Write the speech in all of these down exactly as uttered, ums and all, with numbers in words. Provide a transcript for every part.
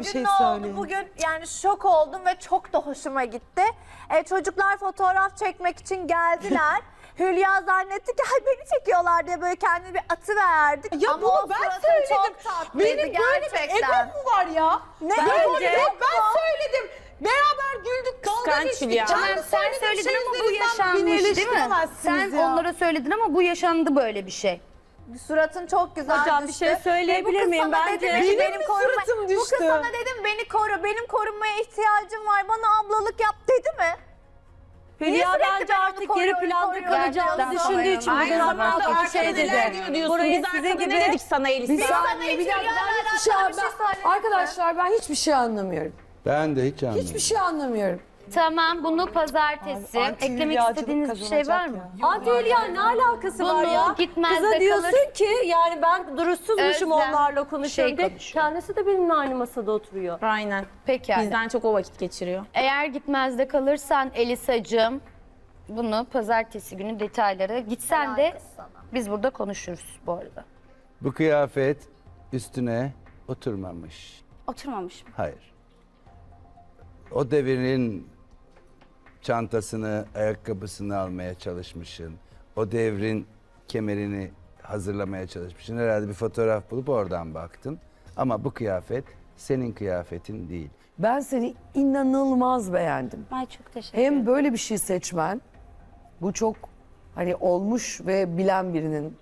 bir gün şey ne oldu? söyleyin. Bugün yani şok oldum ve çok da hoşuma gitti. E, çocuklar fotoğraf çekmek için geldiler. Hülya zannetti ki "Ay, beni çekiyorlar" diye böyle kendini bir atıverdik. Ya Ama bunu o ben suratın söyledim. çok tatlıydı Benim böyle bir gerçekten. egom mu var ya? Ne Böyle egom bir egom yok ben mu? söyledim. Beraber güldük, dalga Kıskanç geçtik. Hülya. Canlı Tamam, sen söyledim, söyledin şey ama bu izledim, sen beni yaşanmış değil mi? eleştiremezsiniz Sen ya. onlara söyledin ama bu yaşandı böyle bir şey. Suratın çok güzel Hocam, bir düştü. şey söyleyebilir Ve bu kız miyim? sana Bence- dedi mi ki Benim mi koruma- suratım Bu kız düştü? sana dedim beni koru, benim korunmaya ihtiyacım var, bana ablalık yap dedi mi? Niye Hülya sürekli bence ben onu artık geri koruyorum, planda koruyorum? kalacağını Gerçekten düşündüğü için sana bugün Aynı inanamıyorum. zamanda hatta bir şey arkada dedi. neler diyor diyorsun. Burayı Biz sizin arkada gibi... ne dedik sana Elisa? Bir saniye, bir dakika, ben hiçbir şey, alakalı bir şey ben- söyledim mi? Arkadaşlar ben hiçbir şey anlamıyorum. Ben de hiç anlamadım. Hiçbir şey anlamıyorum. Tamam, bunu pazartesi. Anti Eklemek hülyacılık istediğiniz bir şey var kazanacak mı? ya. Anti Hülya ne alakası var Bunu ya? gitmez Kıza de diyorsun kalır. ki yani ben duruşsuzmuşum Özlem, onlarla konuşuyorum. şey de konuşuyor. kendisi de benimle aynı masada oturuyor. Aynen. Peki yani. Bizden çok o vakit geçiriyor. Eğer gitmezde kalırsan Elisacığım, bunu pazartesi günü detayları gitsen de Alakası sana. biz burada konuşuruz bu arada. Bu kıyafet üstüne oturmamış. Oturmamış. Hayır. O devrin çantasını, ayakkabısını almaya çalışmışsın. O devrin kemerini hazırlamaya çalışmışsın. Herhalde bir fotoğraf bulup oradan baktın. Ama bu kıyafet senin kıyafetin değil. Ben seni inanılmaz beğendim. Ay çok teşekkür ederim. Hem böyle bir şey seçmen, bu çok hani olmuş ve bilen birinin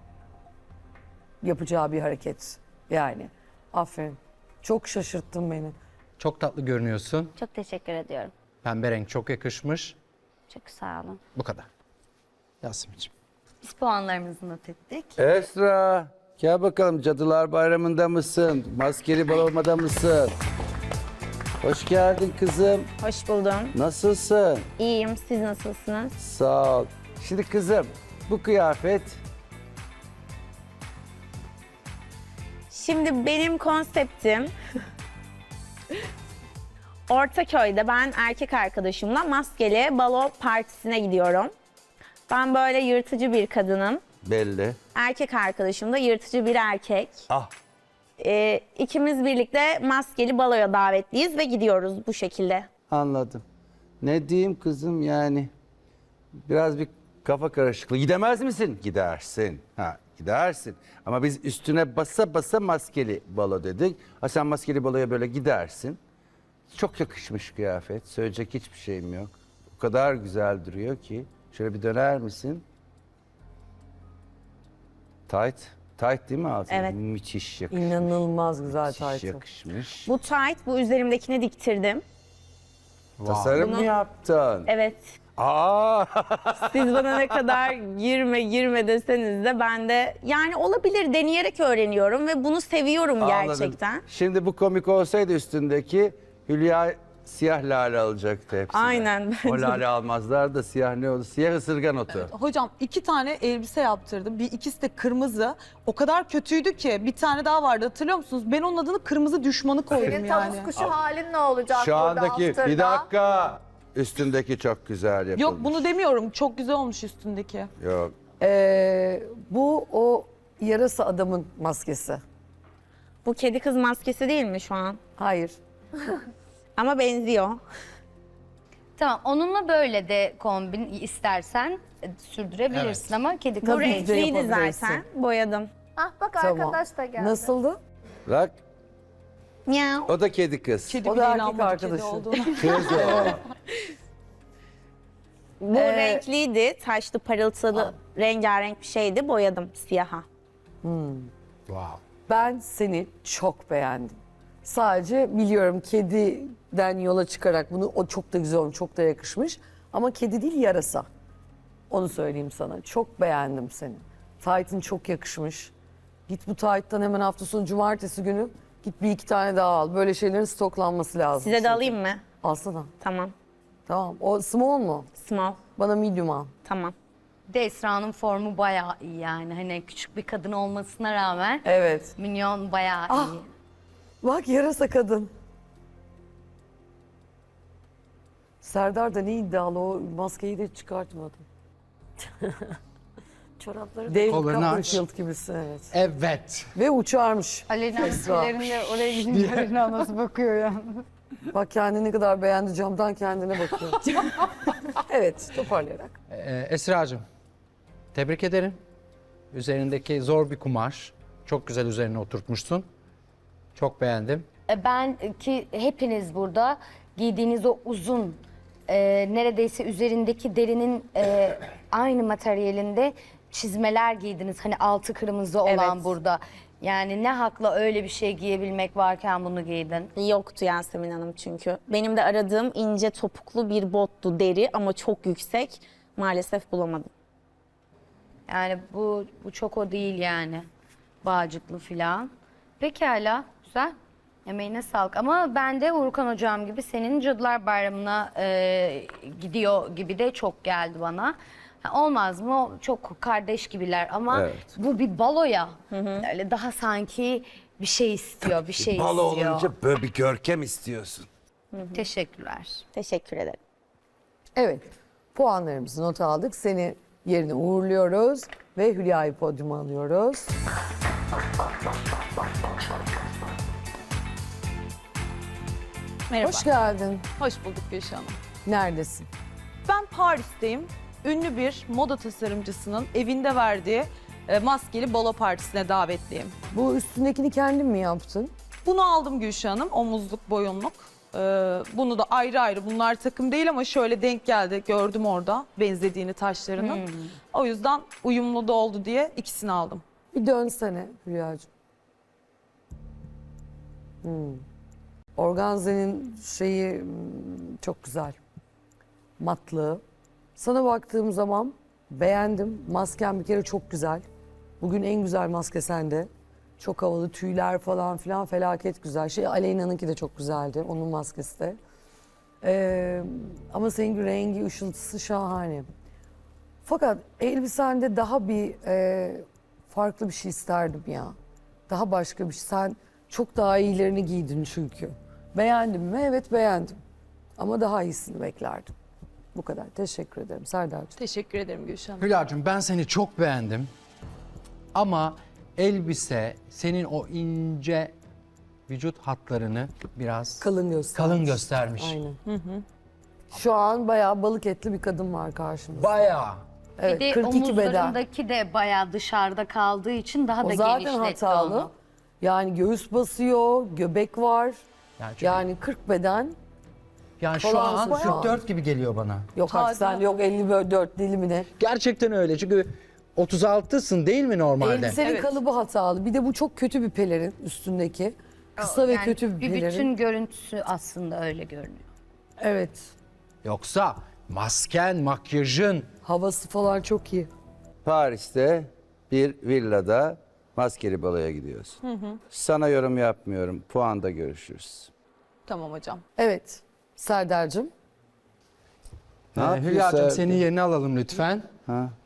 yapacağı bir hareket. Yani aferin. Çok şaşırttın beni. Çok tatlı görünüyorsun. Çok teşekkür ediyorum. Pembe renk çok yakışmış. Çok sağ olun. Bu kadar. Yasemin'ciğim. Biz puanlarımızı not ettik. Esra, gel bakalım, Cadılar Bayramı'nda mısın? Maskeli balonmada mısın? Hoş geldin kızım. Hoş buldum. Nasılsın? İyiyim. Siz nasılsınız? Sağ ol. Şimdi kızım, bu kıyafet Şimdi benim konseptim Ortaköy'de ben erkek arkadaşımla maskeli balo partisine gidiyorum. Ben böyle yırtıcı bir kadınım. belli. Erkek arkadaşım da yırtıcı bir erkek. Ah, Ee, ikimiz birlikte maskeli baloya davetliyiz ve gidiyoruz bu şekilde. anladım. Ne diyeyim kızım, yani biraz bir kafa karışıklığı. Gidemez misin? Gidersin. Ha, gidersin. Ama biz üstüne basa basa maskeli balo dedik. Ha, sen maskeli baloya böyle gidersin. Çok yakışmış kıyafet. Söyleyecek hiçbir şeyim yok. O kadar güzel duruyor ki. Şöyle bir döner misin? Tight. Tight değil mi altın? Evet. Müthiş yakışmış. İnanılmaz güzel Müthiş taytı. yakışmış. Bu tight, bu üzerimdekine diktirdim. Tasarım mı Bunu- yaptın? Evet. Aa! Siz bana ne kadar girme girme deseniz de ben de yani olabilir deneyerek öğreniyorum ve bunu seviyorum Anladım. gerçekten. Şimdi bu komik olsaydı üstündeki, Hülya siyah lale alacaktı hepsini. Aynen, O bence de. lale almazlar da siyah ne oldu? Siyah ısırgan otu. Hocam iki tane elbise yaptırdım. Bir ikisi de kırmızı. O kadar kötüydü ki bir tane daha vardı, hatırlıyor musunuz? Ben onun adını kırmızı düşmanı koydum Senin yani. tavus kuşu halin ne olacak Şu burada andaki, after'da? bir dakika. Üstündeki çok güzel yapılmış. Yok bunu demiyorum. Çok güzel olmuş üstündeki. Yok. Ee, bu o yarasa adamın maskesi. Bu kedi kız maskesi değil mi şu an? Hayır. Ama benziyor. Tamam, onunla böyle de kombin istersen e, sürdürebilirsin ama kedi kız Bu Tabii ki de renkliydi yapabilirsin. zaten. Boyadım. Ah bak Tamam. arkadaş da geldi. Nasıldı? Bak, Miau. o da kedi kız. Kedi O bile da erkek inanmadı kedi arkadaşı. olduğuna. Kız o. Bu Ee, renkliydi. Taşlı, parıltılı, rengarenk bir şeydi. Boyadım siyaha. Wow. Ben seni çok beğendim. Sadece biliyorum kediden yola çıkarak bunu, o çok da güzel olmuş, çok da yakışmış. Ama kedi değil, yarasa. Onu söyleyeyim sana. Çok beğendim seni. Taytın çok yakışmış. Git bu tayttan hemen hafta sonu cumartesi günü git bir iki tane daha al. Böyle şeylerin stoklanması lazım. Size de çünkü. alayım mı? Alsana. Tamam. Tamam. O small mu? Small. Bana medium al. Tamam. Bir de Esra'nın formu bayağı iyi yani. Hani küçük bir kadın olmasına rağmen Evet. minyon bayağı Ah. iyi. Bak yarasa kadın. Serdar da ne iddialı, o maskeyi de çıkartmadı. Çorapları David Kollarını aç. Copperfield gibisin evet. Evet. Ve uçarmış. Aleyna Esra. ülkelerinde oraya gidince Aleyna nasıl bakıyor ya? Bak kendini ne kadar beğendi, camdan kendine bakıyor. Evet, toparlayarak. Ee, Esra'cığım, tebrik ederim. Üzerindeki zor bir kumaş. Çok güzel üzerine oturtmuşsun. Çok beğendim. E, Ben ki hepiniz burada giydiğiniz o uzun e, neredeyse üzerindeki derinin e, aynı materyalinde çizmeler giydiniz. Hani altı kırmızı olan Evet. burada. Yani ne hakla öyle bir şey giyebilmek varken bunu giydin? Yoktu Yasemin Hanım çünkü. Benim de aradığım ince topuklu bir bottu, deri ama çok yüksek. Maalesef bulamadım. Yani bu bu çok o değil yani. Bağcıklı filan. Pekala, güzel. Emeğine sağlık. Ama ben de Urkan Hocam gibi senin Cadılar Bayramı'na e, gidiyor gibi de çok geldi bana. Ha, olmaz mı? Çok kardeş gibiler ama Evet. bu bir balo ya. Öyle daha sanki bir şey istiyor, bir şey Balo istiyor. olunca böyle bir görkem istiyorsun. Teşekkürler. Teşekkür ederim. Evet, puanlarımızı not aldık. Seni yerine uğurluyoruz ve Hülya'yı podyuma alıyoruz. Merhaba. Hoş geldin. Hoş bulduk Gülşah Hanım. Neredesin? Ben Paris'teyim. Ünlü bir moda tasarımcısının evinde verdiği e, maskeli balo partisine davetliyim. Bu üstündekini kendin mi yaptın? Bunu aldım Gülşah Hanım, omuzluk, boyunluk. Ee, bunu da ayrı ayrı, bunlar takım değil ama şöyle denk geldi, gördüm orada benzediğini taşlarının. O yüzden uyumlu da oldu diye ikisini aldım. Bir dönsene Hülya'cığım. Hmm. Organze'nin şeyi hmm, çok güzel. Matlığı. Sana baktığım zaman beğendim. Masken bir kere çok güzel. Bugün en güzel maske sende. Çok havalı tüyler falan filan felaket güzel. Şey Aleyna'nınki de çok güzeldi. Onun maskesi de. Ee, ama senin rengi, ışıltısı şahane. Fakat elbisende daha bir e, farklı bir şey isterdim ya. Daha başka bir şey. Sen çok daha iyilerini giydin çünkü. Beğendim mi? Evet beğendim. Ama daha iyisini beklerdim. Bu kadar. Teşekkür ederim Serdar'cığım. Teşekkür ederim Gülşah Hanım. Hülya'cığım ben seni çok beğendim. Ama elbise senin o ince vücut hatlarını biraz Kalın göstermiş. kalın göstermiş. Aynen. Şu an bayağı balık etli bir kadın var karşımızda. Bayağı. Evet, Bir de kırk iki beden. omuzlarındaki de bayağı dışarıda kaldığı için daha O da zaten genişletti hatalı. onu. Yani göğüs basıyor, göbek var. Yani, çünkü- Yani kırk beden. yani şu falansın an şu an. kırk dört gibi geliyor bana. Yok artık sen yok elli dört dilimine. Gerçekten öyle çünkü otuz altısın değil mi normalde? Elbisenin Evet. kalıbı hatalı. Bir de bu çok kötü bir pelerin üstündeki. Kısa ve Yani kötü bir bir pelerin. bütün görüntüsü aslında öyle görünüyor. Evet. Yoksa masken, makyajın Havası falan çok iyi. Paris'te bir villada maskeli baloya gidiyorsun. Sana yorum yapmıyorum. Puanda görüşürüz. Tamam hocam. Evet. Serdar'cığım. Ne Ee, yapıyorsun Hülya'cığım Serdar? senin yerini alalım lütfen. Ha?